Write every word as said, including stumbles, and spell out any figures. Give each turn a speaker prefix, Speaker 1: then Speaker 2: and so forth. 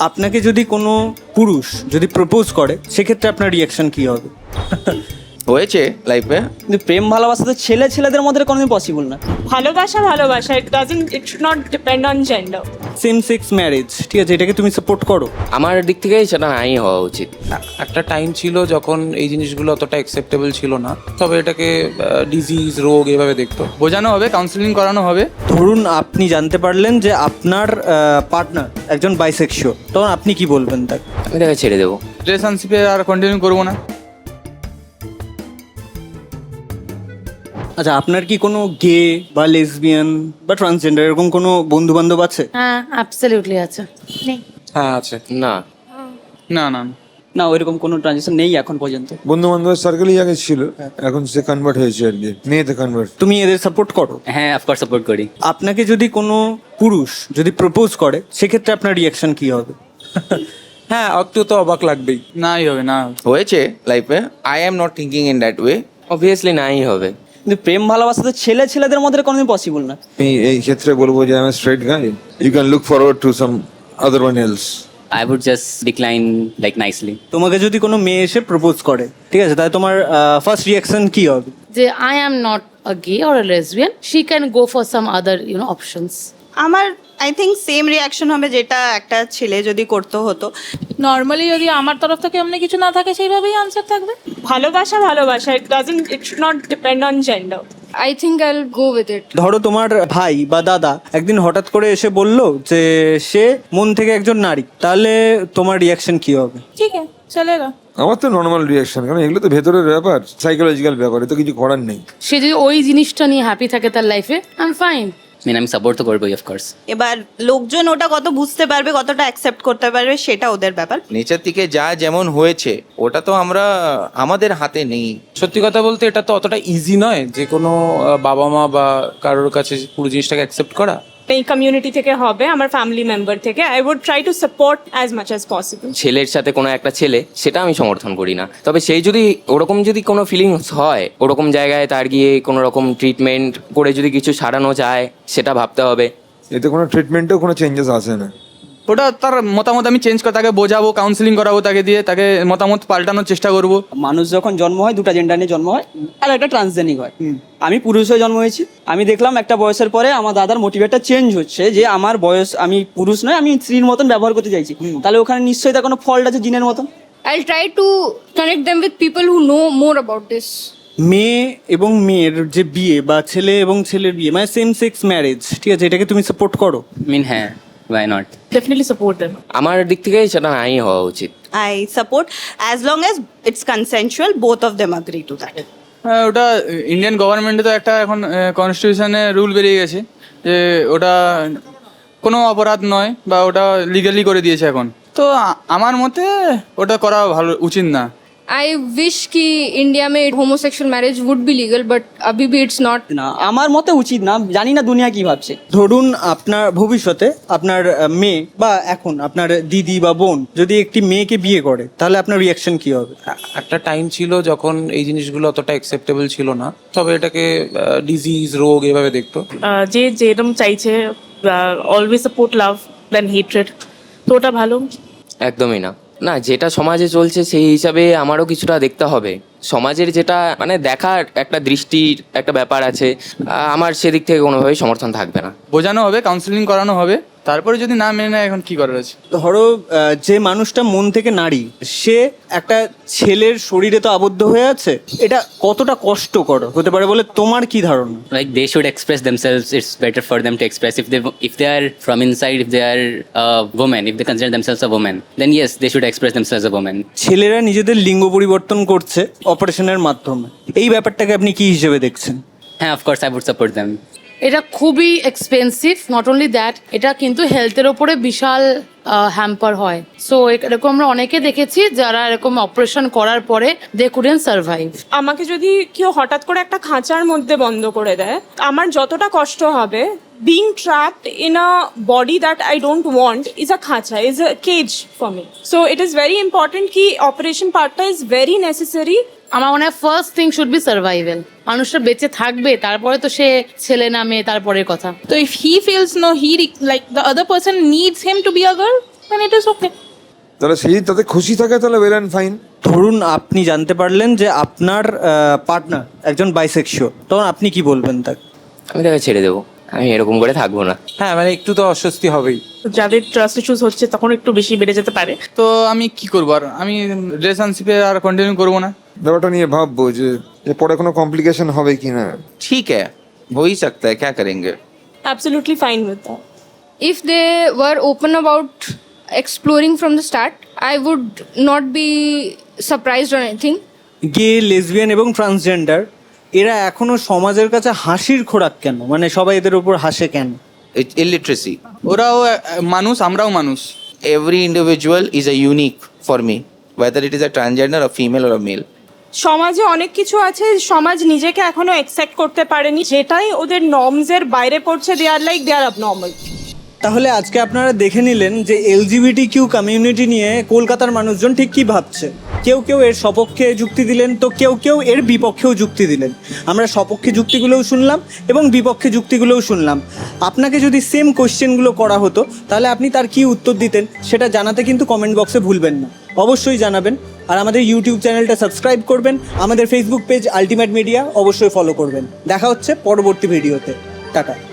Speaker 1: আপনাকে যদি কোনো পুরুষ যদি প্রপোজ করে সেক্ষেত্রে আপনার রিয়াকশন কি হবে?
Speaker 2: হয়েছে লাইফে।
Speaker 3: কিন্তু প্রেম ভালোবাসা তো ছেলে ছেলেদের মধ্যে কোনোদিন পসিবল না।
Speaker 4: ভালোবাসা ভালোবাসা it doesn't it should not depend on gender.
Speaker 1: Same sex marriage, ঠিক আছে, এটাকে তুমি সাপোর্ট করো?
Speaker 2: আমার দিক থেকে সেটা নাই হওয়া উচিত।
Speaker 5: একটা টাইম ছিল যখন এই জিনিসগুলো অতটা অ্যাকসেপ্টেবল ছিল না, তবে এটাকে ডিজিজ রোগ এভাবে দেখতো, বোঝানো হবে, কাউন্সিলিং করানো হবে।
Speaker 1: ধরুন আপনি জানতে পারলেন যে আপনার পার্টনার একজন বাইসেক্সুয়াল, তখন আপনি কি বলবেন তাকে?
Speaker 2: আমি তাকে ছেড়ে দেবো।
Speaker 5: রিলেশনশিপে আর কন্টিনিউ করবো না।
Speaker 1: আচ্ছা, আপনার কি কোনো গে বা লেসবিয়ান বা ট্রান্সজেন্ডার এরকম কোনো বন্ধু বান্ধব আছে?
Speaker 6: হ্যাঁ অ্যাবসলিউটলি আছে। নেই।
Speaker 5: হ্যাঁ আছে।
Speaker 2: না
Speaker 5: না না
Speaker 3: না, ওইরকম কোনো ট্রানজেকশন নেই এখন পর্যন্ত।
Speaker 7: বন্ধু বান্ধবের সার্কেলই আগে ছিল, এখন সে কনভার্ট হয়েছে আর কি, মেয়েতে কনভার্ট।
Speaker 1: তুমি এদের সাপোর্ট করো?
Speaker 3: হ্যাঁ, অফকোর্স সাপোর্ট করি।
Speaker 1: আপনাকে যদি কোনো পুরুষ যদি প্রপোজ করে সেক্ষেত্রে আপনার রিয়াকশন কি হবে?
Speaker 5: হ্যাঁ, একটু তো অবাক লাগবেই। নাই হবে না।
Speaker 2: হয়েছে লাইফে। I am not thinking in that way. Obviously নাই হবে।
Speaker 3: কিন্তু প্রেম ভালোবাসা তো ছেলে ছেলেদের মধ্যে কোনোদিন পসিবল না।
Speaker 7: আমি এই ক্ষেত্রে বলবো যে আমি straight guy, you can look forward to some other one else.
Speaker 8: I would just decline like nicely.
Speaker 1: তোমাকে যদি কোনো মেয়ে এসে প্রপোজ করে, ঠিক আছে, তাহলে তোমার ফার্স্ট রিয়াকশন কি হবে?
Speaker 6: যে I am not a gay or a lesbian, she can go for some other you know options.
Speaker 9: আমার আই থিঙ্ক সেম রিয়াকশন হবে যেটা একটা ছেলে যদি করতে হতো।
Speaker 10: নর্মালি যদি আমার তরফ থেকে এমনি কিছু না থাকে সেইভাবেই আনসার থাকবে।
Speaker 4: ভালোবাসা ভালোবাসা it doesn't it should not depend on gender.
Speaker 10: I think I will go with it.
Speaker 1: ধরো তোমার ভাই বা দাদা একদিন হঠাৎ করে এসে বললো যে সে মন থেকে একজন নারী, তাহলে তোমার রিয়াকশন কি হবে?
Speaker 10: ঠিক আছে, চলেগা।
Speaker 7: আমার তো নর্মাল রিয়াকশন, কারণ এগুলো তো ভেতরের ব্যাপার, সাইকোলজিক্যাল ব্যাপার, এ তো কিছু করার নেই।
Speaker 6: সে যদি ওই জিনিসটা নিয়ে হ্যাপি থাকে তার লাইফে, I am fine.
Speaker 8: I mean, I'm support to করবই of course.
Speaker 9: এবার লোকজন ওটা কত বুঝতে পারবে, কতটা অ্যাকসেপ্ট করতে পারবে, সেটা ওদের ব্যাপার।
Speaker 2: নেচার থেকে যা যেমন হয়েছে ওটা তো আমরা আমাদের হাতে নেই।
Speaker 5: সত্যি কথা বলতে এটা তো অতটা ইজি নয় যে কোনো আহ, বাবা মা বা কারোর কাছে পুরো জিনিসটাকে অ্যাকসেপ্ট করা।
Speaker 4: এই কমিউনিটি থেকে হবে, আমার ফ্যামিলি মেম্বার থেকে I would try to support as much as possible.
Speaker 2: ছেলের সাথে কোনো একটা ছেলে, সেটা আমি সমর্থন করি না, তবে সেই যদি ওরকম যদি কোনো ফিলিংস হয়, ওরকম জায়গায় তার গিয়ে কোনো রকম ট্রিটমেন্ট করে যদি কিছু সারানো যায়, সেটা ভাবতে হবে।
Speaker 7: এতে কোনো ট্রিটমেন্টেও কোনো চেঞ্জেস আসে না।
Speaker 5: ওটা তার মতামত আমি চেঞ্জ করে তাকে বোঝাবো, কাউন্সিলিং করাবো, তাকে দিয়ে তাকে মতামত পাল্টানোর চেষ্টা করবো।
Speaker 3: মানুষ যখন জন্ম হয় দুটো জেন্ডার নিয়ে জন্ম হয়, আর একটা ট্রান্সজেনিক হয়। আমি পুরুষ হয়ে জন্ম হয়েছি, আমি দেখলাম একটা বয়সের পরে আমার দাদার মোটিভেটটা চেঞ্জ হচ্ছে, যে আমার বয়স, আমি পুরুষ নয়, আমি স্ত্রীর মতন ব্যবহার করতে চাইছি, তাহলে ওখানে নিশ্চয়ই তার কোনো ফল্ট আছে জিনের মতন।
Speaker 10: I'll try to connect them with people who know more about this.
Speaker 1: মেয়ে এবং মেয়ের যে বিয়ে বা ছেলে এবং ছেলের বিয়ে, মানে সেম সেক্স ম্যারেজ, ঠিক আছে, এটাকে তুমি সাপোর্ট করো?
Speaker 8: I mean, হ্যাঁ, why not?
Speaker 4: Definitely support them.
Speaker 2: আমার দিক থেকে সেটা নাই হওয়া উচিত।
Speaker 9: I support as long as it's consensual, both of them agree to that.
Speaker 5: হ্যাঁ, ওটা ইন্ডিয়ান গভর্নমেন্টে তো একটা এখন কনস্টিটিউশনে রুল বেরিয়ে গেছে যে ওটা কোনো অপরাধ নয়, বা ওটা লিগালি করে দিয়েছে এখন। তো আ- আমার মতে ওটা করা ভালো উচিত না।
Speaker 10: I wish कि इंडिया में homosexual marriage would be legal, but अभी भी it's not.
Speaker 3: না, আমার মতে উচিত না, জানি না দুনিয়া কি ভাবছে।
Speaker 1: ধরুন আপনার ভবিষ্যতে আপনার আহ, মেয়ে বা এখন আপনার দিদি বা বোন যদি একটি মেয়েকে বিয়ে করে, তাহলে আপনার রিয়াকশন কি হবে?
Speaker 5: একটা টাইম ছিল যখন এই জিনিসগুলো অতটা অ্যাকসেপ্টেবল ছিল না, তবে এটাকে ডিজিজ রোগ এভাবে দেখতো।
Speaker 4: যে যেরকম চাইছে, always support love then hatred, তো ওটা ভালো।
Speaker 2: একদমই না। না, যেটা সমাজে চলছে সেই হিসাবে আমারও কিছুটা দেখতে হবে। সমাজের যেটা মানে দেখার একটা দৃষ্টির একটা ব্যাপার আছে, আহ, আমার সেদিক থেকে কোনোভাবেই সমর্থন থাকবে না।
Speaker 5: বোঝানো হবে, কাউন্সিলিং করানো হবে, তারপরে যদি না মেনে নেয় এখন কি করার আছে।
Speaker 1: ধরো আহ, যে মানুষটা মন থেকে নারী, সে একটা ছেলের শরীরে তো আবদ্ধ হয়ে আছে, এটা কতটা কষ্টকর হতে পারে বলে তোমার কি ধারণা?
Speaker 8: Like they should express themselves. It's better for them to express. If they if they are from inside, if they are a woman, if they consider themselves a woman, then yes, they should express themselves as a woman.
Speaker 1: ছেলেরা নিজেদের লিঙ্গ পরিবর্তন করছে অপারেশনের মাধ্যমে, এই ব্যাপারটাকে আপনি কি হিসেবে দেখছেন?
Speaker 8: হ্যাঁ, of course I would support them.
Speaker 6: এটা খুবই এক্সপেন্সিভ, নট অনলি দ্যাট, এটা কিন্তু হেলথের ওপরে বিশাল হ্যাম্পার হয়। সো এরকম আমরা অনেকে দেখেছি যারা এরকম অপারেশন করার পরে দে কুডেন্ট সার্ভাইভ।
Speaker 4: আমাকে যদি কেউ হঠাৎ করে একটা খাঁচার মধ্যে বন্ধ করে দেয়, আমার যতটা কষ্ট হবে, being trapped in a body that I don't want is a khacha, is a cage for me. So it is very important ki operation partটা is very necessary.
Speaker 6: আমার মনে হয় first thing should be survival. মানুষটা বেঁচে থাকবে, তারপরে তো সে ছেলে না মেয়ে তারপরের কথা।
Speaker 10: So if he feels no, he re- like the other person needs him to be a girl,
Speaker 4: then it is okay.
Speaker 7: তাহলে সেই তাতে খুশি থাকে তাহলে ওয়েল অ্যান্ড ফাইন।
Speaker 1: ধরুন আপনি জানতে পারলেন যে আপনার পার্টনার একজন বাইসেক্সুয়াল, তখন আপনি কি বলবেন তাকে?
Speaker 2: আমি তাকে ছেড়ে দেবো, আমি এরকম করে থাকবো না।
Speaker 11: হ্যাঁ মানে একটু তো অস্বস্তি হবেই।
Speaker 4: যাদের ট্রাস্ট ইস্যুস হচ্ছে তখন একটু বেশি বেড়ে যেতে পারে।
Speaker 5: তো আমি কি করবো আর, আমি রিলেশনশিপে আর কন্টিনিউ করবো না।
Speaker 7: ব্যাপারটা নিয়ে ভাববো যে যে পরে কোনো কমপ্লিকেশন হবে কি না।
Speaker 11: ঠিক है हो ही सकता है, क्या करेंगे।
Speaker 4: Absolutely fine with that.
Speaker 10: If they were open about exploring from the start, I would not be surprised or anything.
Speaker 1: Gay, lesbian এবং ট্রান্সজেন্ডার এরা এখনো সমাজের কাছে হাসির খোরাক কেন? মানে সবাই এদের উপর হাসে কেন?
Speaker 11: It's illiteracy.
Speaker 5: ওরাও আহ, মানুষ, আমরাও মানুষ।
Speaker 11: Every individual is a unique for me, whether it is a transgender, a female or a male.
Speaker 4: সমাজে অনেক কিছু আছে সমাজ নিজেকে এখনো অ্যাকসেপ্ট করতে পারেনি, যেটাই ওদের নর্মসের বাইরে পড়ছে। They are like they are abnormal.
Speaker 1: তাহলে আজকে আপনারা দেখে নিলেন যে এলজিবিটি কিউ কমিউনিটি নিয়ে কলকাতার মানুষজন ঠিক কী ভাবছে। কেউ কেউ এর সপক্ষে যুক্তি দিলেন, তো কেউ কেউ এর বিপক্ষেও যুক্তি দিলেন। আমরা সপক্ষে যুক্তিগুলোও শুনলাম এবং বিপক্ষে যুক্তিগুলোও শুনলাম। আপনাকে যদি সেম কোশ্চেনগুলো করা হতো তাহলে আপনি তার কী উত্তর দিতেন সেটা জানাতে কিন্তু কমেন্ট বক্সে ভুলবেন না, অবশ্যই জানাবেন। আর আমাদের ইউটিউব চ্যানেলটা সাবস্ক্রাইব করবেন, আমাদের ফেসবুক পেজ আলটিমেট মিডিয়া অবশ্যই ফলো করবেন। দেখা হচ্ছে পরবর্তী ভিডিওতে। টাটা।